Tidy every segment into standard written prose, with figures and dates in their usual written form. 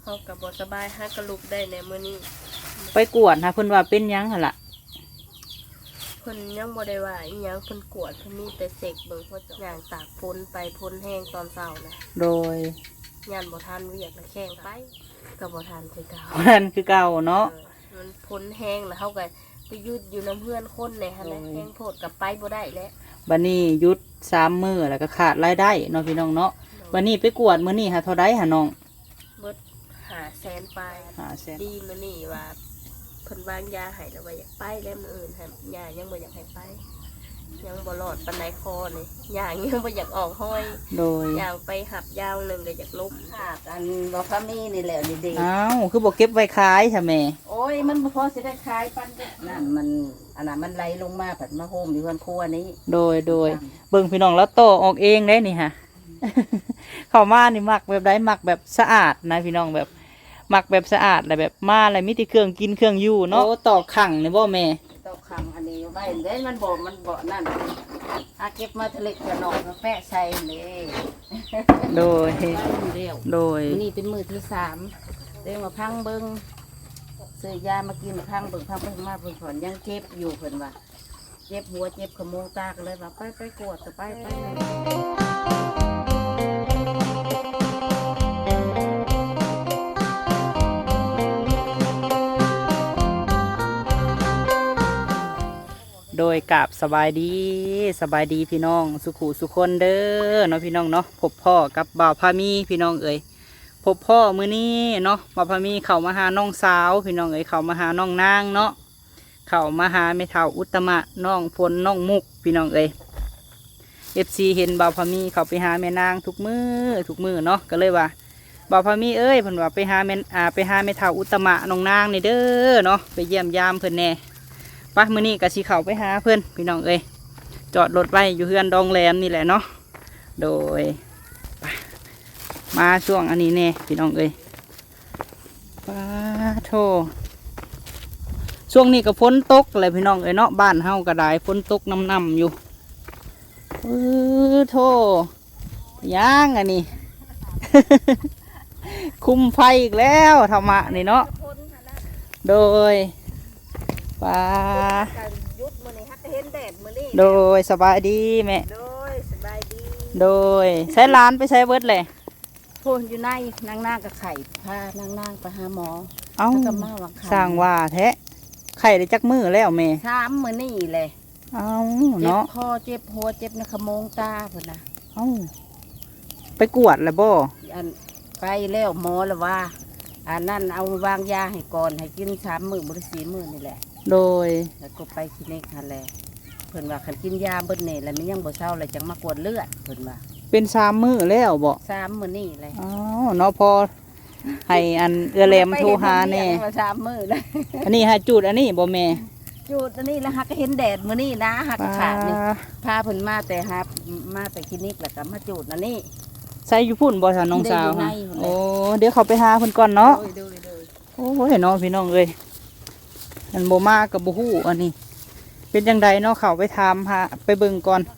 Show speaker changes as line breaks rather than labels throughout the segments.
เขากับบ่สบายฮักกระลุกได้ในมื้อนี้
ไปกวดนะเพิ่นว่าเป็นหยังหั่นล่ะ
เพิ่นยังบ่ได้ว่าอีหยังเพิ่นกวดเพิ่นมีแต่เสกเบิ่งว่าย่างตากฝนไปฝนแห้งตอนเช้านะ
โดย
ย่านบ่ทันเวียกแล้วแข้งไปก็บ่ทันคือเก่า
นั่นคือเก่าเนาะ
มันฝนแห้งแล้วเฮาก็ไปยุดอยู่น้ำเพื่อนคนนี่หั่นแหละแห้งโพดกับไปบ่ได้แล้ว
บัดนี้หยุด3 มื้อแล้วก็ขาดรายได้เนาะพี่น้องเนาะวันนี้ไปกวดมื้อนี้หาเท่าใดหาน้อง
เบิด500,000ไป
500,000
ดีมื้อนี้ว่าเพิ่นวางยาให้แล้วว่าอยากไปแล้วมื้ออื่นหั่นยายังบ่อยากให้ไปยังบ่รอดปานใดคอนี่ยายังบ่อยากออกห้อย
โดย
ย่างไปหับยาวนึงก็อยากล้ม
ขาดอันบ่พามีนี่แหละนี่ดี
อ้าวคือบ่เก็บไว้ขายใช่แม่
โอ้ยมันบ่พอสิได้ขายปันนั่นมันอันนั้นมันไหลลงมาผัดมาโฮมอยู่เฮือนครัวนี้
โดยเบิ่งพี่น้องแล้วโตออกเองได้นี่ฮะ เข้ามานี่มักแบบใดมักแบบสะอาดนะพี่น้องแบบมักแบบสะอาดอะไรแบบมาอะไรมีแต่เครื่องกินเครื่องอยู่เนาะโอ้ตอกขังนี่บ่แม่
ตอกขังอันนี้ไว้เด้มันบ่นั่นอาเก็บมาทะเลกระนองมาแปะใส่นี่
โดย
นี่เป็นมื้อที่3เด้มาพังเบิ่งซื้อยามากินพังเบิ่งพังไปมาเพิ่นผ่อนยังเจ็บอยู่เพิ่นว่าเจ็บหัวเจ็บขมูตากเลยว่าไปกวดไป
โดยกับสบายดีพี่น้องสุขุสุคนเด้อเนาะพี่น้องเนาะพบพ่อกับบ่าวพามีพี่น้องเอ๋ยพบพ่อมื้อนี้เนาะบ่าวพามีเข้ามาหาน้องสาวพี่น้องเอ๋ยเข้ามาหาน้องนางเนาะเข้ามาหาแม่เฒ่าอุตมะน้องฝนน้องมุกพี่น้องเอ๋ย FC เห็นบ่าวพามีเข้าไปหาแม่นางทุกมื้อเนาะก็เลยว่าบ่าวพามีเอ้ยเพิ่นว่าไปหาแม่เฒ่าอุตมะน้องนางนี่เด้อเนาะไปเยี่ยมยามเพิ่นแน่ป่ะมื้อนี้ก็สิเข้าไปหาเพิ่นพี่น้องเอ้ยจอดรถไว้อยู่เฮือนดองแรมนี่แหละเนาะโดยมาช่วงอันนี้แน่พี่น้องเอ้ยป้าโธช่วงนี้ก็ฝนตกเลยพี่น้องเอ้ยเนาะบ้านเฮาก็ได้ฝนตกน้ำอยู่โธย่างอันนี้ คุมไฟอีกแล้วธรรมะนี่เนาะโดยป้าโดยสบายดีแม่โดยใช้ร้านไปใช้เบิร์ดเลย
พูนอยู่ในนางกับไข่พานางไปหาหมอ
เอ้าสร้างว่าแท้ไข่ได้จักมือแล้วแม่
3 มื้อนี่เลย
เอ้าเนาะ
เจ็บคอเจ็บหัวเจ็บในขโมงตาพุ่นน่ะ
เอ้าไปกวดแล้วบ่
อันไปแล้วหมอแล้วว่าอันนั้นเอาวางยาให้ก่อนให้กิน3 มื้อบ่ได้4 มื้อนี่แหละ
โดย
แล้วก็ไปคลินิกนั่นแหละเพิ่นว่าคันกินยาเบิดนี่แล้วมันยังบ่เศร้าเลยจังมากวดเลือดเพิ่นว่า
เป็น3 มื้อแล้วบ่
3 มื้อนี่เลย
อ๋อเนาะพอให้อันแรมโทรหาแน่
3 มื้อเลย
อันนี้ให้จูดอันนี้บ่แม่
จูดอันนี้แล้วหักก็เห็นแดดมื้อนี้นะหักขาดนี่พาเพิ่นมาแต่คลินิกแล้วก็มาจูดอันนี้
ใส่อยู่พุ่นบ่ซะน้องสาวโอ้เดี๋ยวเขาไปหาเพิ่นก่อนเนาะโอ้ยน้องพี่น้องเอ้ยอันบ่มากับบ่ฮู้อันนี้เป็นจังไดเนาะเขาไปถามหาไปเบิ่งก่อน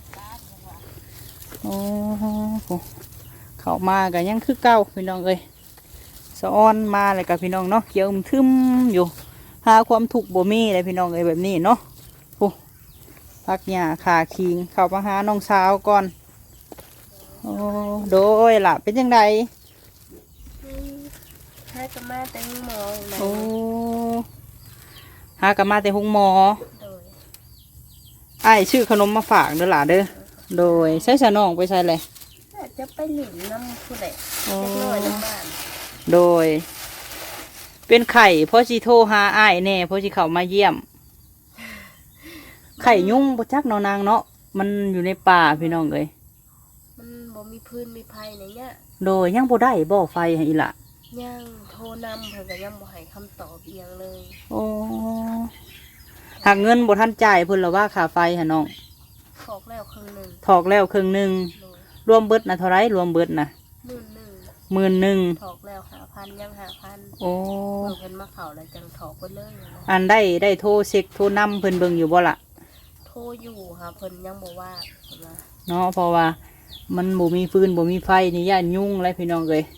โอ้เขามากันยังคือเก่าพี่น้องเอ้ยสะอ้อนมาเลยกับพี่น้องเนาะเขียวทึมอยู่หาความถูกบ่มีเลยพี่น้องเอ้ยแบบนี้เนาะโอ้พักหญ้าขาคิงเข้ามาหาน้องสาวก่อนโอ้โดยล่ะเป็นจังได
ให้กับมาแต่งหมอ
โอ้หากับมาแต่ห้องหมอไอ้ชื่อขนมมาฝากเด้อล่ะเด้อโดยใช้สนองไปใส่เลย
จะไปหลินน้ำผู้ใดเล็กน้อยน้ำบ้าน
โดยเป็นไข่พ่อชีโทรหาไอ้แน่พ่อชีเขามาเยี่ยมไข่ยุ่งบ่จักเนาะนางเนาะมันอยู่ในป่าพี่น้องเลย
มันบ่มีพื้นมีไผ่ในเนี้ย
โดยยังบ่ได้บ่ไฟให้อีละ
ยังโทรนำเพิ่นก็ยังบ่ให้คำตอบเอียงเลย
โอ้หากเงินบ่ทันจ่ายเพิ่นละว่าค่าไฟหะน้อง
ถอกแล้วครึ่งนึง
รวมเบิดนะเท่าไรรวมเบิดนะ11,000ถ
อกแล้ว5,000ยัง5,000
โอ้
เพิ่นมาเข้าแล้วจังถอกเพิ่นเลย
อันได้โทรเช็คโทรนำเพิ่นเบิ่งอยู่บ่ล่ะ
โทรอยู่ค่ะเพิ่นยังบ่ว่า
เนาะเพราะว่ามันบ่มีฟืนบ่มีไฟนี่ย่านยุ่งเลยพี่น้องเอ้ย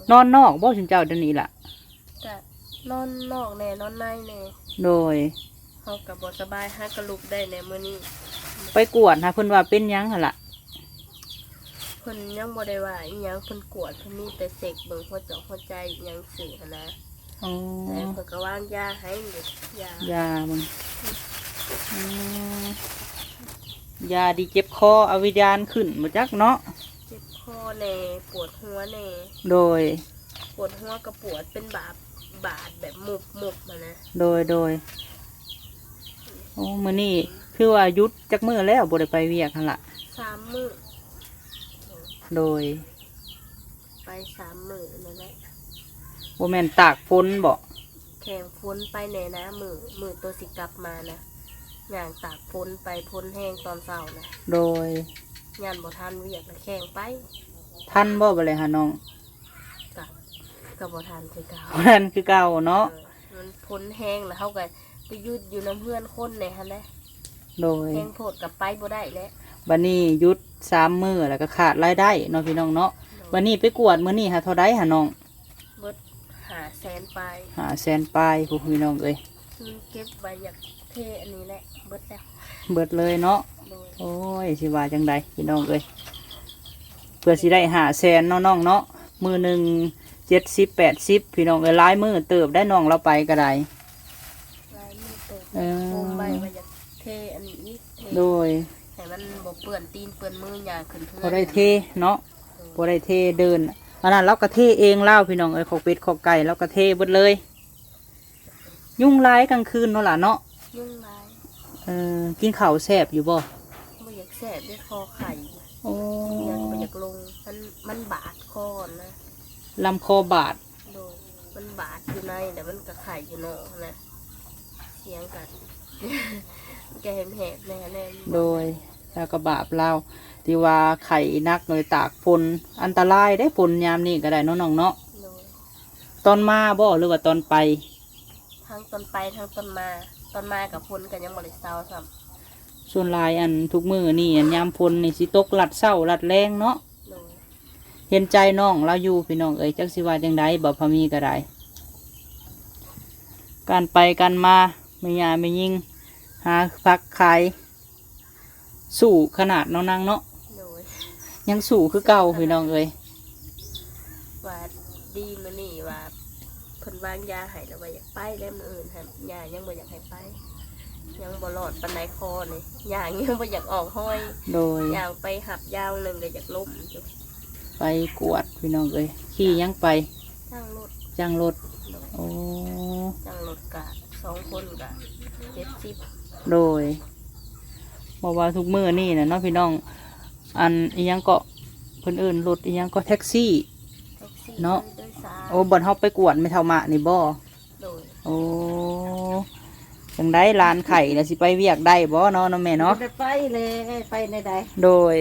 นอนนอกบ่ถึงเจ้าเดี๋ยวนี้ล่ะ
ก็นอนนอกแน่นอนในแน่
โดย
เฮาก็บ่สบายหากระลุกได้แน่มื้อนี้
ไปกวดหาเพิ่นว่าเป็นหยังหั่นล่ะ
เพิ่นยังบ่ได้ว่าอีหยังเพิ่นกวดเพิ่นมีแต่เสกเบิ่งหัวใจหัวใจอิหยังสิหันนะ
อ๋อ
แต่เพิ่นก็วางยาให้อยู่ยาย
ามึงอืมยาดีเจ็บคอเอาวิญญาณขึ้นบ่จักเนาะ
เจ็บคอแน่ปวดหัวแน่
โดย
ปวดหัวก็ปวดเป็นบาดแบบมุบมานะ
โดยโอ้มื้อนี้คือว่าหยุดจักมื้อแล้วบ่ได้ไปเวียกหั่นล่ะ
3 มื้อ
โดย
ไป3 มื้อนั่นแหละ
บ่แม่นตากฝนบ่
แข่งพ้นไปแน่นะมือตัวสิกลับมานะย่างตากพ้นไปพ้นแห้งตอนเช้านะ
โดย
งานบ่ทันเวียกนะแข่งไป
ท่านบ่บ่เลยหาน้อง
กับบ่ทันคือเก่า
นั่นคือเก่าเนาะ
มันพ้นแห้งแล้วเขาก็ไปยุดอยู่น้ำเพื่อนคนเนี่ยฮะแหละ
โดย
แห้งโพดกับไปบ่ได้แล้ว
บัดนี้หยุด3 มื้อแล้วก็ขาดรายได้เนาะพี่น้องเนาะบัดนี้ไปกวดมื้อนี้หาเท่าใดหาน้อง
เบิด500,000ไป
500,000ปลายผู้พี่น้องเอ้ย
เก็บไว้อยากเทอันนี้แหละเบิดแล้ว
เบิดเลยเนาะ
โดย
โอ้ยสิว่าจังใดพี่น้องเอ้ยเพื่อสิได้500,000เนาะน้องเนาะมื้อหนึง70-80พี่น้องเอ้ยหลายมื้อเติบได้น้องเราไปก็ได้
ลายมือเติบ
เออ
โคมใบไว้อยากเทอันนี้อีกเท
โดย
ให้มันบ่เปื้อนตีนเปื้อนมือย่างขึ้นเพื่อน
พอได้เทเนาะพอได้เทเดินอันนั้นเราก็เทเองเล่าพี่น้องเอ้ยขอกเป็ดขอกไก่เราก็เทเบิดเลย ยุ่งร้ายกลางคืนเนาะล่ะเนาะ
ยุ่งลาย
กินข้าวแซ่บอยู่บ่
บ่อยากแสบด้วยคอไข่
โอ้
ยังบ่อยากลงมันบาดคอนะ
ลำคอบาด
โดยมันบาดอยู่ในแต่มันก็ไข่อยู่นอกนะเสียงกัน แกเห็นแหบแน่แน่
โดยแล้วก็บาปเราที่ว่าไข่นักเลยตากฝนอันตรายได้ฝนยามนี้ก็ได้เนาะน้องเนาะ
โดย
ตอนมาบ่หรือว่าตอนไป
ทั้งต้นไปทั้งต้นมาต้นมากับพ้นกันยังบริเซาซ้
ส่วนหลายอันทุกมือนี่อันยามฝนนี่สิตกลัดเศร้าลัดแรงเนาะ
ำโดย
เห็นใจน้องเราอยู่พี่น้องเอ้ยจักสิว่าจังไดบ่พอมีก็ได้การไปกันมาไม่ยาไม่ยิงหาพักขายสู่ขนาดน้องนางเนาะ
โดย
ยังสู่คือเก่าพี่น้องเอ้ย
ว่าดีมื้อนี่ว่าเพิ่นวางยาให้แล้วว่าอยากไปแล้วมื้ออื่นหั่นยายังบ่อยากให้ไป ยังบ่รอดปานใดคอนี่ยายังบ่อยากออกห้อย
โดย
ยางไปหับยาวหนึงก็อยากล้มอยู่
ไปกวดพี่น้องเอ้ยขี่ยังไป
จ้างรถ
จ้างรถ
โดย
โอ้
จ้างรถกะ2 คนกะ70
โดยบอกว่าทุกมือนี่นะเนาะพี่น้องอันอียังก็เพิ่นเอื่นรถอียังก็แท็กซี่
แท็กซี่
เนาะ
โดยสาร
โอ้บ่นเฮาไปกวดไม่เท่ามานี่บ่
โดย
โอ้จังได้ร้านไข่แล้วสิไปเวียกได้บ่เนาะน้องแม่เนาะ
บ่ได้ไปเลยไปในใด
โดย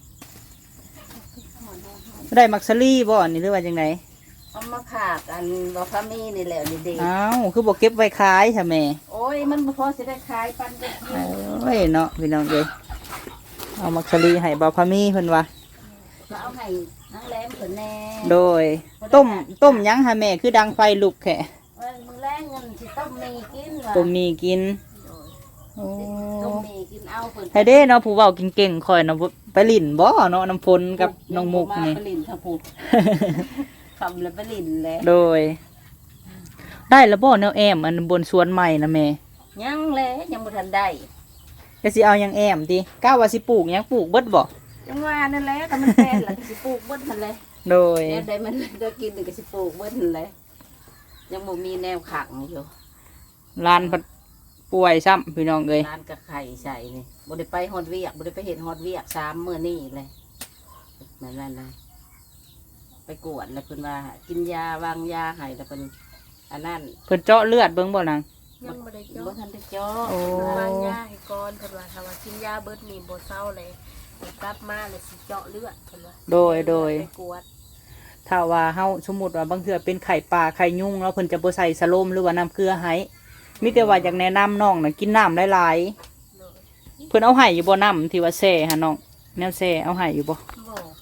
ได้มักซะลี่บ่นี่หรือว่าจังได
เอามาผากอันบ่พามีนี่แหละนี่เด็ก
อ้าวคือบ่เก็บไว้ขายใช่แม่
โอ้ยมันบ่พอสิได้ขายปันกันกิน
โอ้ยเนาะพี่น้องเอ้ยเอามักซะลี่ให้บ่พามีเพิ่นว่า
ก็เอาให้นางแหลมเพิ่นแน่
โดยต้มหยังหาแม่คือดังไฟลุกแค่
มื้อแรกเงินสิต้มมีกินว่ะ
ต้มมีกิน
โดย
โอ้
ต้มมีกินเอาเพิ่น
ให้เด้เนาะผู้เว้าเก่งๆคอยเนาะไปลิ่นบ่เนาะน้ำฝนกับน้องมุกนี่
มาไปลินทะพุคำแล้วไปลินแล้ว
โดย ได้แล้วบ่แนวแอมอันบนสวนใหม่นะแม่
ยังเลยยังบ่ทันได้
จะสิเอาหยังแอมติก้าวว่าสิปลูกหยังปลูกเบิดบ่
ยังว่านั่นแหละแต่มันแพงล่ะสิปลูกเบิดหั่นเลย
โดย
แล้วได้มันได้กินนี่ก็สิปลูกเบิดหั่นเลยยังบ่มีแนวขังอยู่
ลานพัดป่วยซ้ำพี่น้องเอ้ย
ร้านกะไข่ใส่นี่บ่ได้ไปฮอดเวียกบ่ได้ไปเห็นฮอดเวียก3มื้อนี้เลยนั่นเลยไปกวดแล้วเพิ่นว่ากินยาวางยาให้แล้วเพิ่นอันนั้น
เพิ่นเจาะเลือดเบิ่งบ่นาง
ยังบ่ได้
บ่
เจาะ
ทันได้เจาะ
โอ้
วางยาให้ก่อนเพิ่นว่าถ้าว่ากินยาเบิดนี่บ่เศร้าเลยเดี๋ยวกลับมาเลยสิเจาะเลือดเพิ่นว่า
โดย
ไปกวด
ถ้าว่าเฮาสมมุติว่าบางเทื่อเป็นไข่ปลาไข่ยุงแล้วเพิ่นจะบ่ใส่สโลมหรือว่าน้ำเกลือให้มีแต่ว่าอยากแนะนำน้องน่ะกินน้ำหลาย
โดย
ๆเพิ่นเอาให้อยู่บ่น้ำที่ว่าแซ่หาน้องแนวแซ่เอาให้อยู่บ่
บ่เพิ่น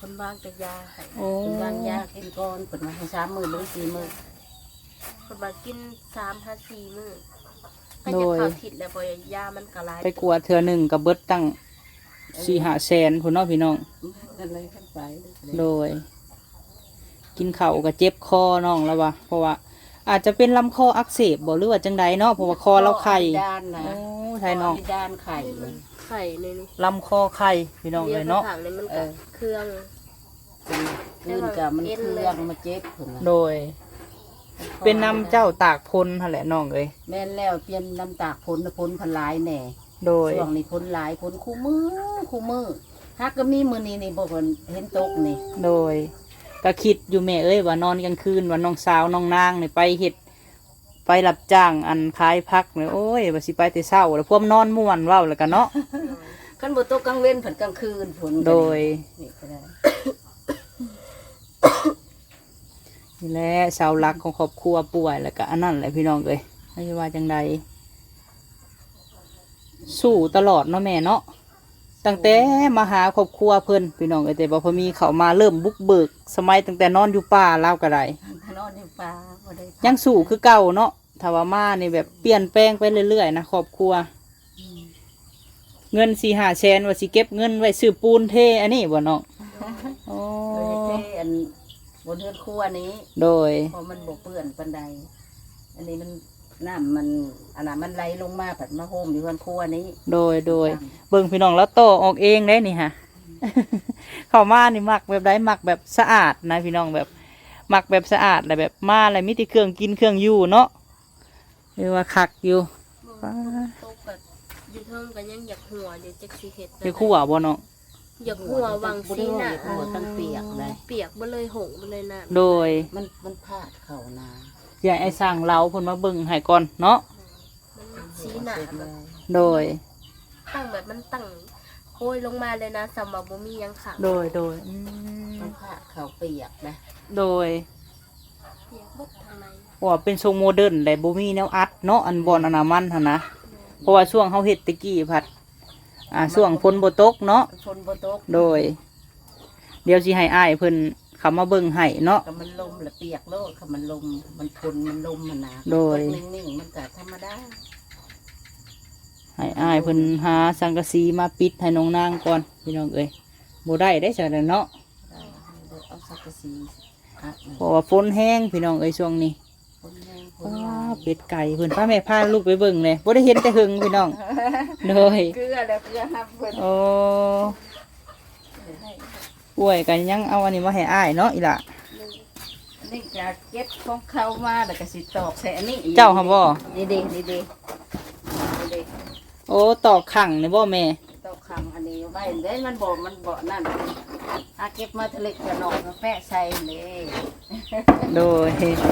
คนวางแต่ยาให้
โอ้
เป็นวางยากินก่อนเปิดมาให้3 มื้อหรือ4 มื้อ
คนว่ากิน3-4 มื้อก็จะเข้าทิศแล้วเพราะยามันก็หลาย
ไปกวดเทื่อหนึ่งกับเบิดตั้ง4-5 แสนพุ่นเนาะพี่น้อง
กันเลยขึ้นไป
โดย กินข้าวก็เจ็บคอน้องแล้ววะเพราะว่า อาจจะเป็นลำคออักเสบบ่หรือว่าจังใดเนาะเพราะว่าคอเราไข่
ด้านนะ
โอ้ไทยน้อง
ด้านไข่
ไข่ในนี้
ลำคอไข่พี่น้องเลยเนาะ
ข้างๆนี่มันก็เครื่อง
ขึ้นกับมันเครื่องมาเจ็บผล
โดย เป็นน้ำเจ้าตากพลนั่นแหละน้องเอ้ย
แม่นแล้วเปลี่ยนน้ำตากพ้นพันหลายแหน่
โดย
ช่วงนี้พ้นหลายพ้นคู่มือฮักก็มีมือนี้นี่บอกว่าเห็นตกนี่
โดยก็คิดอยู่แม่เอ้ยว่านอนกลางคืนว่าน้องสาวน้องนางเนี่ยไปเฮ็ดไปรับจ้างอันขายพักเนี่ยโอ้ยว่าสิไปแต่เช้าแล้วพวกนอนม่วนเว้าแล้วกันเนาะ
ขั้นบ่ตกกลางเว้นผลกลางคืนผล
โดย
นี่ก็ได้
นี่แหละเสาหลักของครอบครัวป่วยแล้วก็อันนั้นแหละพี่น้องเอ้ยไม่ว่าจังใดสู้ตลอดเนาะแม่เนาะตั้งแต่มาหาครอบครัวเพิ่นพี่น้องเอ้ยแต่บ่พอมีเขามาเริ่มบุกเบิกสมัยตั้งแต่นอนอยู่ป่าลาวก็ได้
ถ้านอนอยู่ป่าบ่ได้
ยังสู้คือเก่าเนาะถ้าว่ามานี่แบบเปลี่ยนแปลงไปเรื่อยๆนะครอบครัว เงิน4-5 แสนว่าสิเก็บเงินไว้ซื้อปูนเทอันนี้บ่น้องโอ้
โดยที่อันบนเรือนครัวนี้
โดย
พอมันบกเปื้อนปันใดอันนี้มันน้ำมันอันนั้นมันไหลลงมาผัดมาโฮมอยู่เรือนครัวนี้
โดยเบิ่งพี่น้องแล้วโตออกเองได้นี่ฮะ เข้ามานี่มักแบบใดมักแบบสะอาดนะพี่น้องแบบมักแบบสะอาดและแบบมาอะไรมีแต่เครื่องกินเครื่องอยู่เนาะเรียกว่าคักอยู่
ตกแบบอยู่เทิงก็ยังอยากหัวอยู่จักสิเฮ็ด
ไปคั่วบ่น้อง
อยากหัววังซีน่ะ
หัวตั้งเปียกเลย
เปียกบ่เลยหงบ่เลยน่ะ
โดย
มันพาดเข่านา
อย่าไอ้สร้างเราเพิ่นมาเบิ่งให้ก่อนเนาะ
มันซีน่ะแบบ
โดย
ตั้งแบบมันตั้งโอยลงมาเลยนะสำหรับบ่มีหยังขัง
โดย
มันพาดเข่าเปียกนะ
โดย
เปียกเบิดทางใน
ว่าเป็นทรงโมเดิร์นแต่บ่มีแนวอัดเนาะอันบอนอนามันหั่นนะเพราะว่าช่วงเฮาเฮ็ดตะกี้ผัดช่วงฝนบ่ตกเนาะ
ฝนบ่ตก
โดย เดี๋ยวสิให้อ้ายเพิ่นเขามาเบิ่งให้เนาะ
ก็มันลมละเปียกโลดค่ะมันลมมันฝนมันลมมันหนา
โดย
นิ่งๆมันก็ธรรมดา
ให้อ้ายเพิ่นหาสังกะสีมาปิดให้น้องนางก่อนพี่น้องเอ้ยบ่ได้ได้จังได๋เนาะ
เอาสักกะสีอัด
เพราะว่าฝนแห้งพี่น้องเอ้ยช่วงนี้
ฝนแห้งฝ
ว้
นลา
าย เป็ดไก่เพิ่นพาแม่พาลูกไปเบิ่งเลยบ่ได้เห็นแต่หึงพี่น้องโดย
เกลือแล้วเกลือฮับเพิ่น
โอ้ป่วยกันยังเอาอันนี้มาให้อ้ายเนาะอีหล่ะ
นี่จะเก็บของเข้ามาแล้วก็สิตอกใส่อันนี้อีก
เจ้าค่ะบ่
นี่เด้นี่เด้นี่เด้
โอ้ตอกขังนี่บ่แม่
ตอกคำอันนี้ไว้เด้มันบ่นั่นอาเก็บมาทะเลกระนองมาแปะใส่เลย
โดย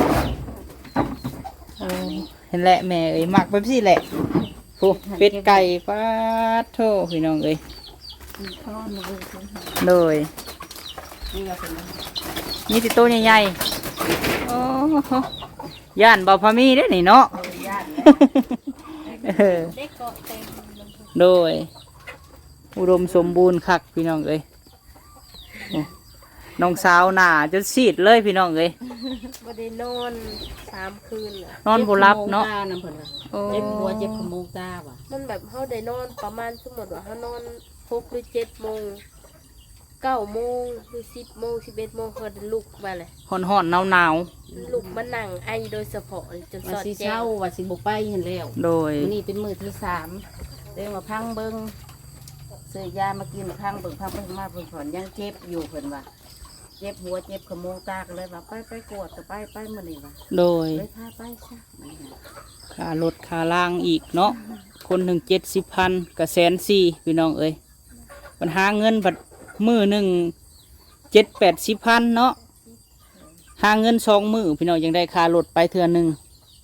โอ้เห็นแหละแม่เอ้ยมักแบบซี่แหละโอ้เป็ดไก่ปาดโธ่พี่น้องเอ้ย
ข้าวมือคุณ
โดย
นี่ว่าเป็น
นี่ติโตวใหญ่ๆโอ้ย่านเบาพามีได้อนี่เนาะ
โอ้ยย่าน
เออ
ได้เกาะเต็มลำพู
โดย อุดมสมบูรณ์คักพี่น้องเอ้ยโอ้น้องสาวหน้าจนซีดเลยพี่น้องเอ้ย
บ่ได้นอน3 คืนน่ะ
นอนบ่หลับเนาะ
น้ำเพิ่น
โอ้
เจ็บหัวเจ็บขมูกตาว่ะ
มันแบบเฮาได้นอนประมาณสมมุติว่าเฮานอน6หรือ7โมง9โมงหรือ10โมง11โมงเฮาได้ลุกมาเลย
ห่อนๆหนาว
ลุกมานั่งไอโดยเฉพาะจนส
ว่า
อด
สิ
แจ้
เช้าง ว่าสิบ่ไปเห็นแล้ว
ๆโดย
มื้อนี้เป็นมื้อที่3เด้มาพังเบิ่งซื้อยามากินพังเบิ่งพังเบิ่งมาเพิ่นถอนยังเจ็บอยู่เพิ่นว่าเจ็บหัวเจ็บขมูกตาก็เลยว่าไปกวดก็ไปมื้อนี้ว่า
โดย
เลยพาไปซะ
ค่ารถค่าล่างอีกเนาะคนหนึ่ง70,000กับ140,000พี่น้องเอ้ยปัญหาเงินบัดมือหนึ่ง70-80,000เนาะหาเงิน2 มื้อพี่น้องยังได้ค่ารถไปเทื่อหนึ่ง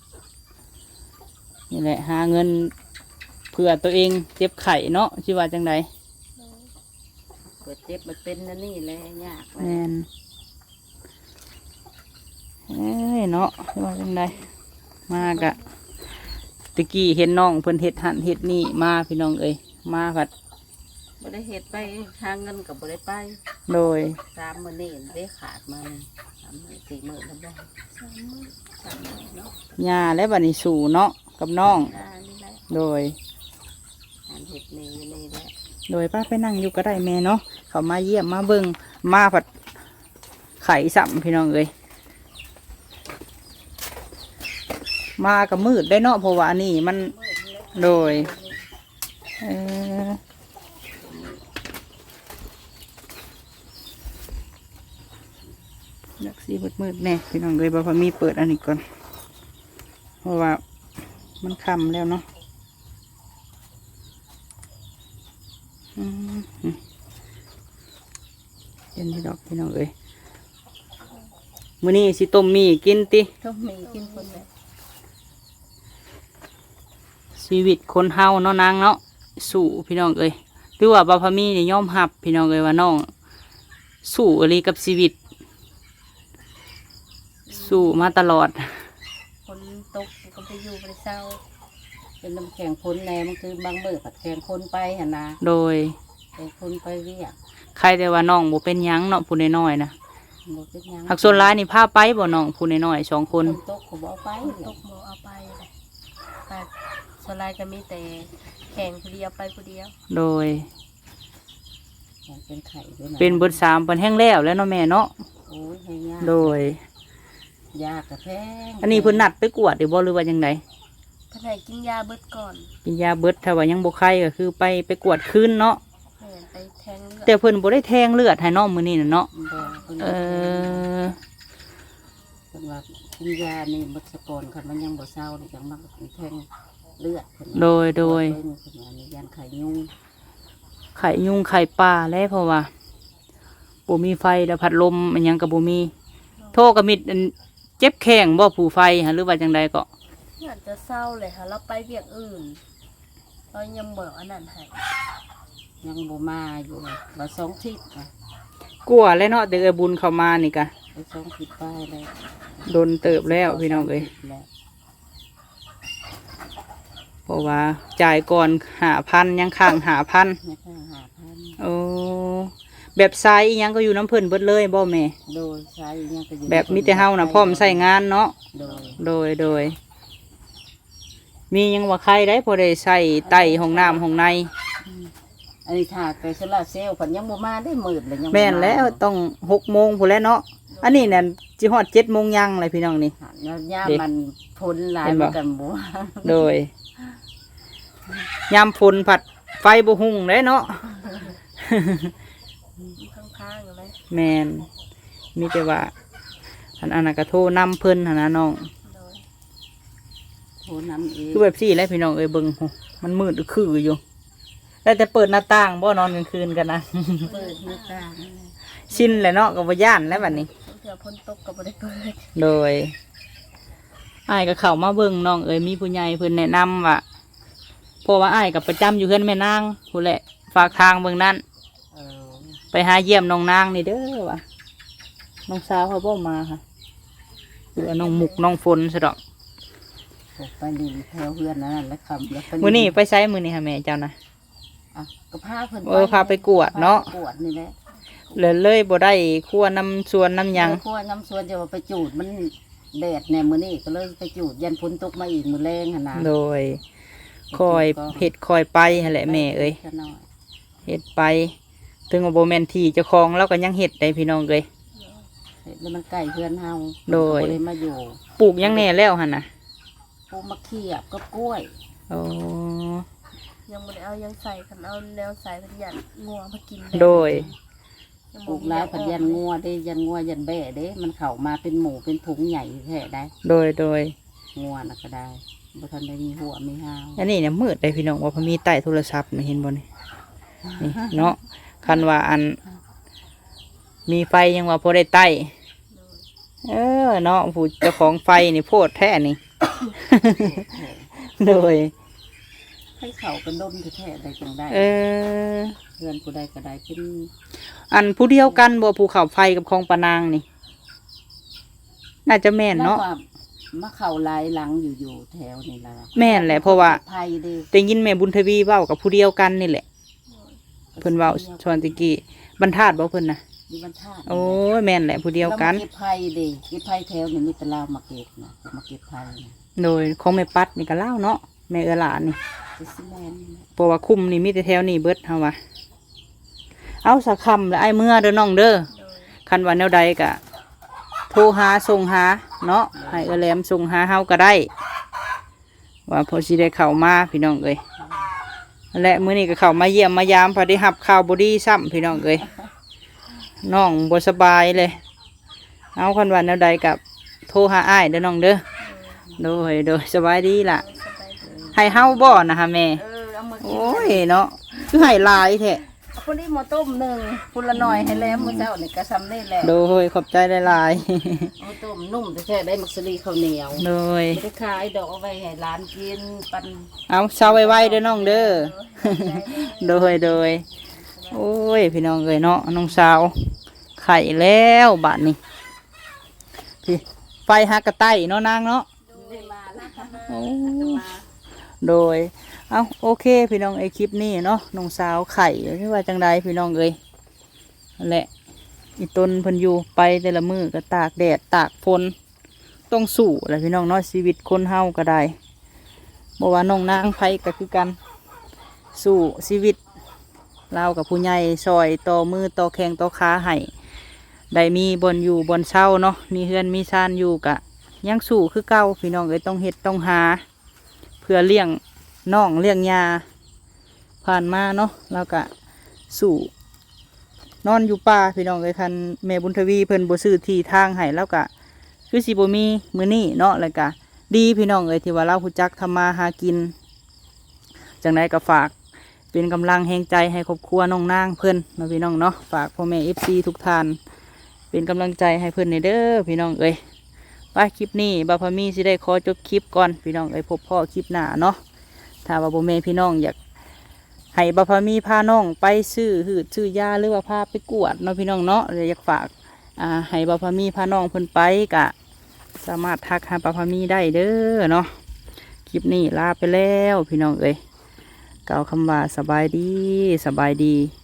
นี่แหละหาเงินเพื่อตัวเองเจ็บไข้เนาะชื่อว่าจังได
เกิดเจ็บมันเป็นนั่นนี่แหละยาก
แม่นเอ้ยเนาะชื่อว่าจังไดมากะตะกี้เห็นน้องเพิ่นเฮ็ดหันเฮ็ดนี่มาพี่น้องเอ้ยมาผัด
บ่ได้เฮ็ดไปหาเงินก็บ่ได้ไป
โดย
3 มื้อนี้ได้ขาดมา3 มื้อ4 มื้อแล้วบ่3 มื้อเนาะ
ย่าและบัดนี้สู่เนาะกับน้อง
นี่แหละ
โดย
อันเฮ็ดนี่แหละ
โดยป้าไปนั่งอยู่ก็ได้แม่เนาะเขามาเยี่ยมมาเบิ่งมาผัดไข่สัมพี่น้องเอ้ยมากับมืดได้เนาะเพราะว่านี่มันโดยเอออยากสีมืดๆแน่พี่น้องเลยบ่พอมีเปิดอันนี้ก่อนเพราะว่ามันค่ำแล้วเนาะเย็นที่ดอกพี่น้องเอ้ยมื้อนี้สิต้มมีกินติ
ต้องมีกินคนแหละ
ชีวิตคนเฮาเนาะนางเนาะสู้พี่น้องเอ้ยหรือว่าบ่พอมีนี่ยอมรับพี่น้องเอ้ยว่าน้องสู้อะไรกับชีวิต สู้มาตลอด
คนตกก็ไปอยู่ไปเศร้า
เป็นน้ำแข็งพ้นแน่มันคือบางมื้อผัดแข็งพ้นไปหั่นนะ
โดย
แข็งพ้นไปเวียก
ใครแต่ว่าน้องบ่เป็นหยังเนาะผู้น้อยๆนะ
บ่เป็นหยัง
หักส่วนร้ายนี่พาไปบ่น้องผู้น้อยๆ2 คน
ตกก็บ่เอาไป
ตกหมอเอาไปเลยแต่สลายก็มีแต่แข่งผู้เดียวไปผู้เดียว
โดย
เป็นไข่ด้วยนะ
เป็นเบิด3เพิ่นแห้งแล้วแล้วเนาะแม่เนาะ
โอ้ยให้ยาก
โดย
ยากกระแพง
อันนี้เพิ่นนัดไปกวดหรือบ่หรือว่าจังได
เพื่อนให้กินยาเบิดก่อน
กินยาเบิดถ้าว่ายังบ่ไข้ก็คือไปกวดคืนเนาะ
แม่นไปแทงเลือด
แต่เพิ่นบ่ได้แทงเลือดให้น้องมื้อนี้น่ะเนาะ
บ่เพิ่น
เออ
เพิ่นว่ากินยานี่บัดสะกอนคันมันยังบ่เศร้านี่จังมันแทงเลือดเพิ่นว่า
โดย
เพิ่นว่านี่ยันไข่ยุง
ไข่ยุงไข่ปลาแล้วเพราะว่าบ่มีไฟแล้วพัดลมอันหยังก็บ่มี โทรก็มิดอันเจ็บแข้งบ่ผู้ไฟหะหรือว่าจังใดก็
อยากจะเศร้าเลยค่ะเราไปเวียกอื่นเรายังเบิกอันนั้นให้
ยังบ่มาอยู่ว่า2 ทิศค่ะ
กลัวแล้วเนาะเด้อบุญเข้ามานี่ก็
ไป2 ทิศไปแล้ว
โดนเติบแล้วพี่น้องเอ้ย
แล้ว
เพราะว่าจ่ายก่อน5,000ยังค้าง5,000
ไม่ค่อย5,000
โอ้แบบไซส์อิหยังก็อยู่น้ำเพิ่นเบิดเลยบ่แม่
โดยใช้ยังก็อยู่
แบบมีแต่เฮาน่ะพร้อมใส่งานเนาะ โดยมียังว่าใครได้พอได้ใส่ไต่ห้องน้ำห้องใน
อันนี้ถาดไปโซลาร์เซลล์เพิ่นยังบ่มาได้มืดเลยยังบ่า
แม่นแล้วต้อง6 โมงพู้นแหล้วเนาะอันนี้เนี่ยจิฮอด7 โมงยังเลยพี่น้องนี่
แล้วย่า
เด็ก
มันพ้นหลาย
เห็นบ่
มันกันบ่
โดยยามฝนผัดไฟบ่หุ่งเลยเนาะ
ข้างๆเลย
แมนมีแต่ว่าอันนั้นก็โทรนำเพิ่นหั่นนะน้อง
โดย
โทรน้ำเอง
คือแบบสี่แหล้วพี่น้องเอ้ยเบิ่งโหมันมืดคืออยู่แล้วแต่เปิดหน้าต่างบ่นอนกลางคืนกันนะ
เปิดหน้าต่าง
ชินแหละเนาะก็บ่ย่านแล้วบัดนี้
เผื่อพ้นตกก็บ่ได้เปิด
โดยอ้ายก็เข้ามาเบิ่งน้องเอ้ยมีผู้ใหญ่เพิ่นแนะนำว่าเพราะว่าอ้ายก็ประจำอยู่เฮือนแม่นางผู้นแหละฝากทางเบิ่งนั้น
เออ
ไปหาเยี่ยมน้องนางนี่เด้อว่ะน้องสาวเขาบ่มาค่ะหรือว่าน้องมุกน้องฝนซะดอก
ออกไปนี่แถวเฮือนนั่นแหละคำแล้ว
มื้อนี้ไปไสมื้อนี้ค่ะแม่เจ้านะ
อ่ะก็พาเพิ่น
พาไปกวดเนาะ
พไปกวดนี่แหละ
เลยบ่ได้คั่วน้ำสวนน้ำหยัง
พวกน้ำสวนจะว่าไปจูดมันแดดแน่มื้อนี้ก็เลยไปจูดยันฝนตกมาอีกมื้อแรงหั่นน่ะ
โดยคอยเฮ็ดคอยไปหั่นแหละแม่เอ้ย
ซะหน่อย
เฮ็ดไป ถึงว่าบ่แม่นที่เจ้าของเราก็ยังเฮ็ดได้พี่น้องเอ้ย
เฮ็ดแล้วมันใกล้เฮือนเฮา
โดย
ก็บ่ได้มาอยู่
ปลูกหยังแน่แล้วหั่นน่ะ
ปลูกมะเขียบกับกล้วย
โอ้
ยังบ่ได้เอายังใส่คันเอาแล้วใส่เพิ่นหยัดงัวมากิน
โดย
ยัง
ปลูกหลายพันยันงัวเด้ยันงัวยันแบ่เด้มันเข้ามาเป็นหมูเป็นถุงใหญ่แท้ได้
โดย
งัวน่ะก็ได้บ่ทันได้มีหัวมีหาง
อันนี้เนี่ยมืดได้พี่น้องว่าพอมีใต้โทรศัพท์นี่เห็นบ่นี่นี่เนาะคันว่าอัน มีไฟยังว่าพอได้ใต้เออเนาะผู้เจ้าของไฟนี่โพดแท้นี่ โดย
ให้เขากันดมแท้ๆได้จังได้
เออ
เพื่อนผู้ใดก็ได้เป็น
อันผู้เดียวกันบ่ภูเขาไฟกับคลองปะนางนี่ น่าจะแม่นเนาะ
แล้วมาเข้าหลายหลังอยู่แถวนี่ล่ะ
แม่นแหละเพราะว่า
ภัยเด้
ได้ยินแม่บุญทวีเว้ากับผู้เดียวกันนี่แหละ
ก็
เพิ่นเว้าชวนตะกี้บรรทัดบ่เพิ่นน่ะ
มีบรรทัด
โอ้ยแม่นแหละผู้เดียวกัน
แล้มาเก็บไผ่ดิเก็บไผ่แถวนี่มีแตลาวมาเก็บนะมาเก็บไผ่นะ
โดยของแม่ปัดนี่ก็เล่าวเนาะแม่เออหลานนี่
จะสิแม่นนี่นะ
เพราะว่าคุ้มนี่มีแต่แถวนี้เบิดเฮาว่าเอาสักคำแล้วไอ้เมื่อเด้อน้องเด้อ
โดย
คันว่าแนวใดก็โทรหาส่งหาเนาะให้เออแหลมส่งหาเฮาก็ได้ ว่าพอสิได้เข้ามาพี่น้องเอ้ยและมื้อนี้ก็เข้ามาเยี่ยมมายามพอได้รับข่าวบ่ดีซ้ำพี่น้องเอ้ยน้องบ่สบายเลย เอาคันว่าแนวใดก็โทรหาอ้ายเด้อน้องเด้อโดยสบายดีล่ะ
สบายดี
ให้เฮาบ่นะฮะแม่
เอามากิน
โอ้ยเนาะคือให้หลายแท้
เอาคนนี้มาต้มหนึ่งคนละหน่อยให้แล้วมื้อเช้านี่ก็ซ้ำได้แล้ว
โดยขอบใจหลาย
เอาต้มนุ่มแต่แท้ได้มักสลีข้าวเหนียว
ๆโดย
ไม่ได้ขายดอกเอาไว้ให้ร้านกินปัน
เอาเช้าไว้ๆเด้อน้องเด้อ โดยโอ้ยพี่น้องเอ้ยเนาะน้องสาวไข่แล้วบัดนี้พี่ไฟฮักกระไต้เนาะนางเนาะ
ได้มาแล้ว
โอ้โดยเอาโอเคพี่น้องไอคลิปนี้เนาะน้องสาวไข่ที่ว่าจังใดพี่น้องเอ้ยนั่นแหละอีต้นเพิ่นอยู่ไปแต่ละมือก็ตากแดดตากฝนต้องสู้แหละพี่น้องเนาะชีวิตคนเฮาก็ได้บอกว่าน้องนางไผก็คือกันสู้ชีวิตเรากับผู้ใหญ่ซอยต่อมือต่อแข้งต่อขาให้ได้มีบนอยู่บนเช่าเนาะมีเฮือนมีชานอยู่กะยังสู้คือเก่าพี่น้องเอ้ยต้องเฮ็ดต้องหา เพื่อเลี้ยงน้องเลี้ยงยาผ่านมาเนาะแล้วก็สู่นอนอยู่ป่าพี่น้องเอ้ยคันแม่บุญทวีเพิ่นบ่ซื้อที่ทางให้แล้วก็คือสิบ่มีมื้อนี้เนาะแล้วก็ดีพี่น้องเอ้ยที่ว่าเรารู้จักทำมาหากินจังไดก็ฝากเป็นกำลังแห่งใจให้ครอบครัวน้องนางเพิ่นเนาะพี่น้องเนาะฝากพ่อแม่ FC ทุกท่านเป็นกำลังใจให้เพิ่นในเด้อพี่น้องเอ้ยไปคลิปนี้บ่าวพามีสิได้ขอจบคลิปก่อนพี่น้องเอ้ยพบพ่อคลิปหน้าเนาะถ้าว่าบ่แม่นพี่น้องอยากให้บ่าวพามีพาน้องไปซื้อหืดซื้อยาหรือว่าพาไปกวดเนาะพี่น้องเนาะเลยอยากฝากให้บ่าวพามีพาน้องเพิ่นไปกะสามารถทักหาบ่าวพามีได้เด้อเนาะคลิปนี้ลาไปแล้วพี่น้องเอ้ยกล่าวคำว่าสบายดี